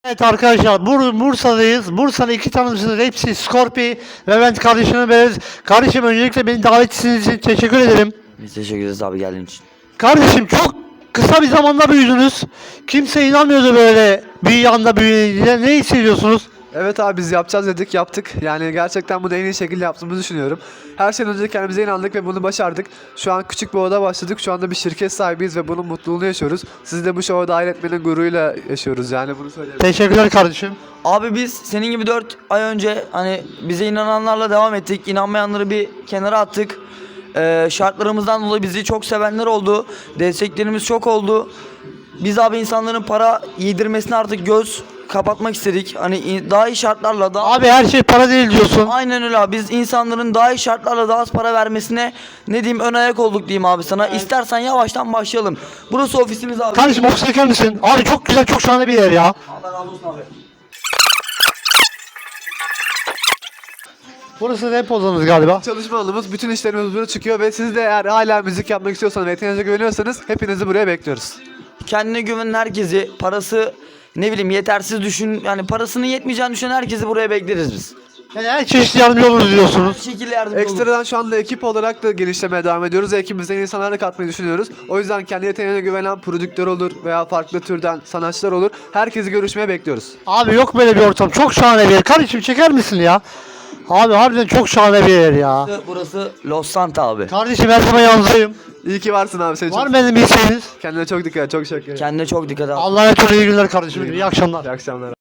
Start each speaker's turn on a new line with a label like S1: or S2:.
S1: Evet arkadaşlar Bursa'dayız. Bursa'nın iki tanımcısınız. Hepsi Scorpi ve ben kardeşime beraberiz. Kardeşim öncelikle beni davet ettiğiniz için teşekkür ederim.
S2: Biz teşekkür ederiz abi geldiğin için.
S1: Kardeşim çok kısa bir zamanda büyüdünüz. Kimse inanmıyordu böyle bir anda büyüdüğünüze. Ne hissediyorsunuz?
S3: Evet abi biz yapacağız dedik yaptık. Yani gerçekten bunu en iyi şekilde yaptığımızı düşünüyorum. Her şeyden önce kendimize inandık ve bunu başardık. Şu an küçük bir oda başladık. Şu anda bir şirket sahibiyiz ve bunun mutluluğunu yaşıyoruz. Sizi de bu şova dahil etmenin gururuyla yaşıyoruz yani bunu söyleyebilirim.
S1: Teşekkürler kardeşim.
S2: Abi biz senin gibi 4 ay önce hani bize inananlarla devam ettik. İnanmayanları bir kenara attık. Şartlarımızdan dolayı bizi çok sevenler oldu. Desteklerimiz çok oldu. Biz abi insanların para yedirmesine artık göz kapatmak istedik. Hani daha iyi şartlarla daha...
S1: Abi her şey para değil diyorsun.
S2: Aynen öyle abi. Biz insanların daha iyi şartlarla daha az para vermesine ne diyeyim ön ayak olduk diyeyim abi sana. İstersen yavaştan başlayalım. Burası ofisimiz abi.
S1: Kardeşim ofise çeker misin? Abi çok güzel, çok şahane bir yer ya.
S2: Allah razı olsun abi.
S1: Burası rap odanız galiba.
S3: Çalışma alanımız, bütün işlerimiz burada çıkıyor ve siz de eğer hala müzik yapmak istiyorsanız ve yeteneğinize güveniyorsanız hepinizi buraya bekliyoruz.
S2: Kendine güvenen herkesi, parası ne bileyim yetersiz düşün, yani parasının yetmeyeceğini düşünen herkesi buraya bekleriz biz.
S1: Yani her çeşit yardımcı oluruz
S2: Her
S1: diyorsunuz.
S2: şekilde yardımcı oluruz.
S3: Ekstradan şu anda ekip olarak da genişlemeye devam ediyoruz ve ekibimize yeni insanlar da katmayı düşünüyoruz. O yüzden kendi yeteneğine güvenen prodüktör olur veya farklı türden sanatçılar olur. Herkesi görüşmeye bekliyoruz.
S1: Abi yok böyle bir ortam. Çok şahane bir yer. Kardeşim çeker misin ya? Abi harbiden çok şahane bir yer ya.
S2: Burası Los Santa abi.
S1: Kardeşim her zaman yanınızdayım.
S3: İyi ki varsın abi. Seni
S1: Var
S3: çok...
S1: mı benim bir isteğiniz?
S3: Kendine çok dikkat et. Çok teşekkür ederim.
S2: Kendine çok dikkat et.
S1: Allah'a emanet olun. İyi günler kardeşim. İyi akşamlar.
S3: İyi akşamlar.